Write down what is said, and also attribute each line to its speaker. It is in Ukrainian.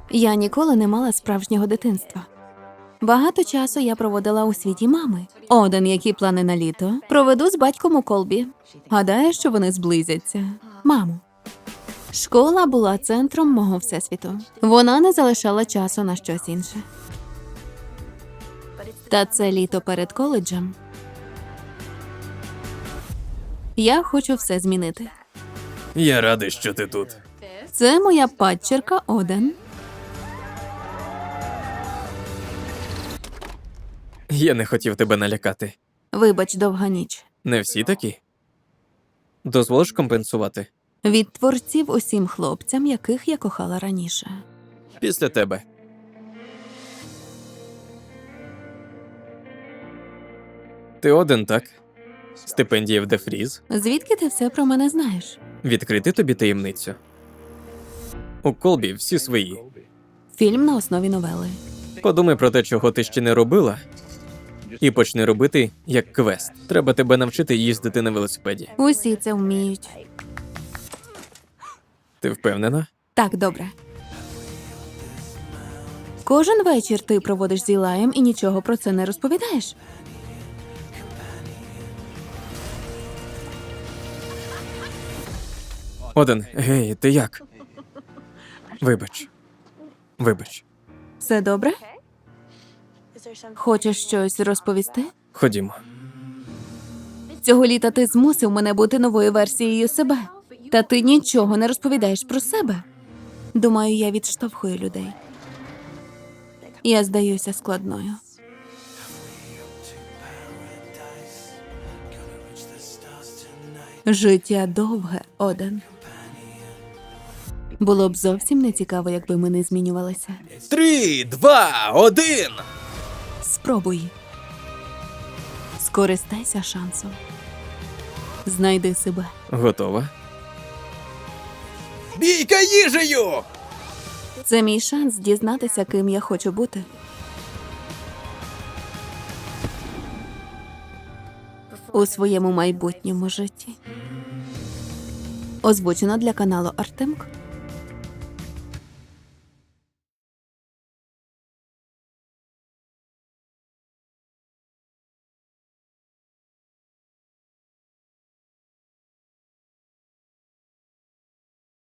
Speaker 1: Я ніколи не мала справжнього дитинства. Багато часу я проводила у світі мами. Оден, які плани на літо, проведу з батьком у Колбі. Гадаю, що вони зблизяться. Мамо. Школа була центром мого всесвіту. Вона не залишала часу на щось інше. Та це літо перед коледжем. Я хочу все змінити.
Speaker 2: Я радий, що ти тут.
Speaker 1: Це моя падчерка Оден.
Speaker 2: Я не хотів тебе налякати.
Speaker 1: Вибач, довга ніч.
Speaker 2: Не всі такі? Дозволиш компенсувати?
Speaker 1: Від творців усім хлопцям, яких я кохала раніше.
Speaker 2: Після тебе. Ти один, так? Стипендія в Дефріз.
Speaker 1: Звідки ти все про мене знаєш?
Speaker 2: Відкрити тобі таємницю. У Колбі всі свої.
Speaker 1: Фільм на основі новели.
Speaker 2: Подумай про те, чого ти ще не робила, і почни робити як квест. Треба тебе навчити їздити на велосипеді.
Speaker 1: Усі це вміють.
Speaker 2: Ти впевнена?
Speaker 1: Так, добре. Кожен вечір ти проводиш з Ілаєм і нічого про це не розповідаєш.
Speaker 2: Один, гей, ти як? Вибач. Вибач.
Speaker 1: Все добре? Хочеш щось розповісти?
Speaker 2: Ходімо.
Speaker 1: Цього літа ти змусив мене бути новою версією себе. Та ти нічого не розповідаєш про себе. Думаю, я відштовхую людей. Я здаюся складною. Життя довге, Оден. Було б зовсім не цікаво, якби ми не змінювалися.
Speaker 2: 3, 2, 1!
Speaker 1: Спробуй. Скористайся шансом. Знайди себе.
Speaker 2: Готова? Бійка їжею!
Speaker 1: Це мій шанс дізнатися, ким я хочу бути. У своєму майбутньому житті. Озвучено для каналу Артемк.